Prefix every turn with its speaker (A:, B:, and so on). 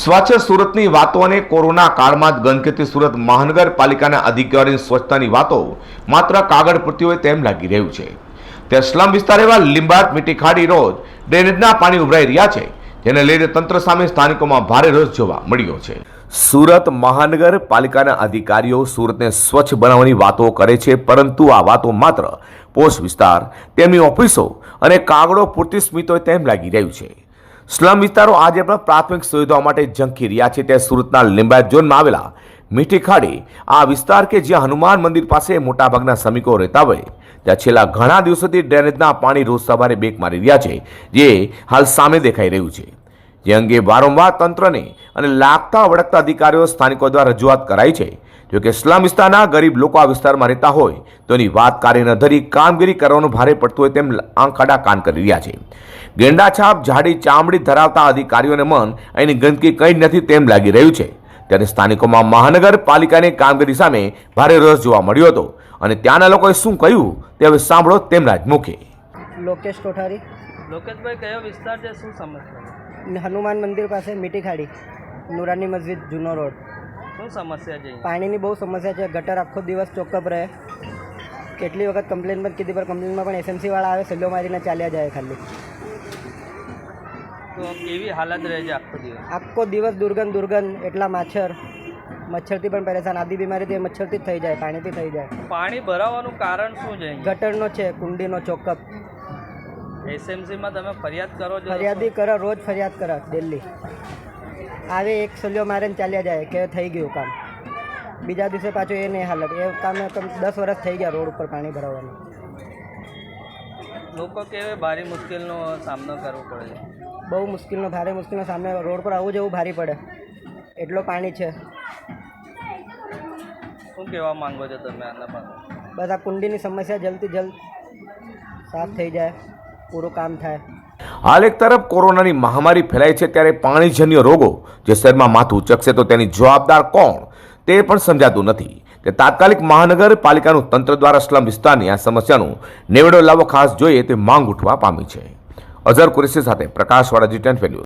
A: સ્વચ્છ સુરતની વાતો અને કોરોના કાળમાં જ ગંદકીથી સુરત મહાનગરપાલિકાના અધિકારીની સ્વચ્છતાની વાતો માત્ર કાગળ પૂરતી હોય તેમ લાગી રહ્યું છે। તે સ્લમ વિસ્તાર એવા લીંબાયત મીઠી ખાડી રોજ ડ્રેનેજના પાણી ઉભરાઈ રહ્યા છે, જેને લઈને તંત્ર સામે સ્થાનિકોમાં ભારે રોષ જોવા મળ્યો છે। સુરત મહાનગરપાલિકાના અધિકારીઓ સુરતને સ્વચ્છ બનાવવાની વાતો કરે છે, પરંતુ આ વાતો માત્ર પોસ્ટ વિસ્તાર, તેમની ઓફિસો અને કાગળો પૂરતી સ્મિત હોય તેમ લાગી રહ્યું છે। સ્લમ વિસ્તારો આજે પણ પ્રાથમિક સુવિધાઓ માટે ઝંખી રહ્યા છે। ત્યાં સુરતના લીંબાયત ઝોનમાં આવેલા મીઠી ખાડી આ વિસ્તાર કે જ્યાં હનુમાન મંદિર પાસે મોટાભાગના શ્રમિકો રહેતા હોય, ત્યાં છેલ્લા ઘણા દિવસોથી ડ્રેનેજના પાણી રોજ સવારે બેક મારી રહ્યા છે, જે હાલ સામે દેખાઈ રહ્યું છે। જે અંગે વારંવાર તંત્રને અને લાગતા વળગતા અધિકારીઓ સ્થાનિકો દ્વારા રજૂઆત કરાઈ છે। જોકે સ્લમ વિસ્તારના ગરીબ લોકો આ વિસ્તારમાં રહેતા હોય તો એની વાત કાર્ય ન ધરી કામગીરી કરવાનું ભારે પડતું હોય તેમ આંખાડા કાન કરી રહ્યા છે। ગેંડાછાપ જાડી ચામડી ધરાવતા અધિકારીઓને મન અહીંની ગંદકી કંઈ નથી તેમ લાગી રહ્યું છે। ત્યારે સ્થાનિકોમાં મહાનગરપાલિકાની કામગીરી સામે ભારે રોષ જોવા મળ્યો હતો અને ત્યાંના લોકોએ શું કહ્યું તે હવે સાંભળો તેમના જ મુખે।
B: લોકેશ કોઠારી।
C: લોકેશભાઈ, કયો વિસ્તાર છે, શું સમસ્યા?
B: હનુમાન મંદિર પાસે મીઠી ખાડી, નુરાની મસ્જિદ, જૂનો રોડ।
C: શું સમસ્યા છે?
B: પાણીની બહુ સમસ્યા છે। ગટર આખો દિવસ ચોખ્ખપ રહે। કેટલી વખત કમ્પ્લેન પણ કીધી, પર કમ્પ્લેનમાં પણ એસએમસી વાળા આવે, સલ્લો મારીને ચાલ્યા જાય ખાલી।
C: તો કેવી હાલત રહે છે આખો દિવસ?
B: આખો દિવસ દુર્ગંધ, એટલા મચ્છરથી પણ પરેશાન। આદિ બીમારી મચ્છરથી જ થઈ જાય, પાણીથી થઈ જાય।
C: પાણી ભરાવાનું કારણ શું છે?
B: ગટરનો છે, કુંડીનો ચોખ્ખપ।
C: એસએમસીમાં તમે ફરિયાદ કરો છો?
B: ફરિયાદી કરે, રોજ ફરિયાદ કરે, દિલ્હી આવે, એક સલ્યો મારે ને ચાલ્યા જાય કે થઈ ગયું કામ। બીજા દિવસે પાછું એ નહીં હાલત। એ કામ 10 વર્ષ થઈ ગયા રોડ ઉપર પાણી ભરાવાનું।
C: લોકો કેવી ભારે મુશ્કેલીનો સામનો કરવો પડે છે?
B: બહુ ભારે મુશ્કેલનો સામનો। રોડ પર આવું જવું ભારી પડે, એટલો પાણી છે।
C: શું કહેવા માંગો છો તમે આના પાસે?
B: બસ આ કુંડીની સમસ્યા જલ્દથી જલ્દ સાફ થઈ જાય, પૂરું કામ થાય।
A: હાલ એક તરફ કોરોનાની મહામારી ફેલાઈ છે, ત્યારે પાણીજન્ય રોગો જે શહેરમાં માથું ઉચકશે તો તેની જવાબદાર કોણ તે પણ સમજાતું નથી। કે તાત્કાલિક મહાનગરપાલિકાનું તંત્ર દ્વારા સ્લમ વિસ્તારની આ સમસ્યાનું નેવડો લાવવો ખાસ જોઈએ તે માંગ ઉઠવા પામી છે। અઝર કુરેશી સાથે પ્રકાશવાળા G10 ન્યૂઝ।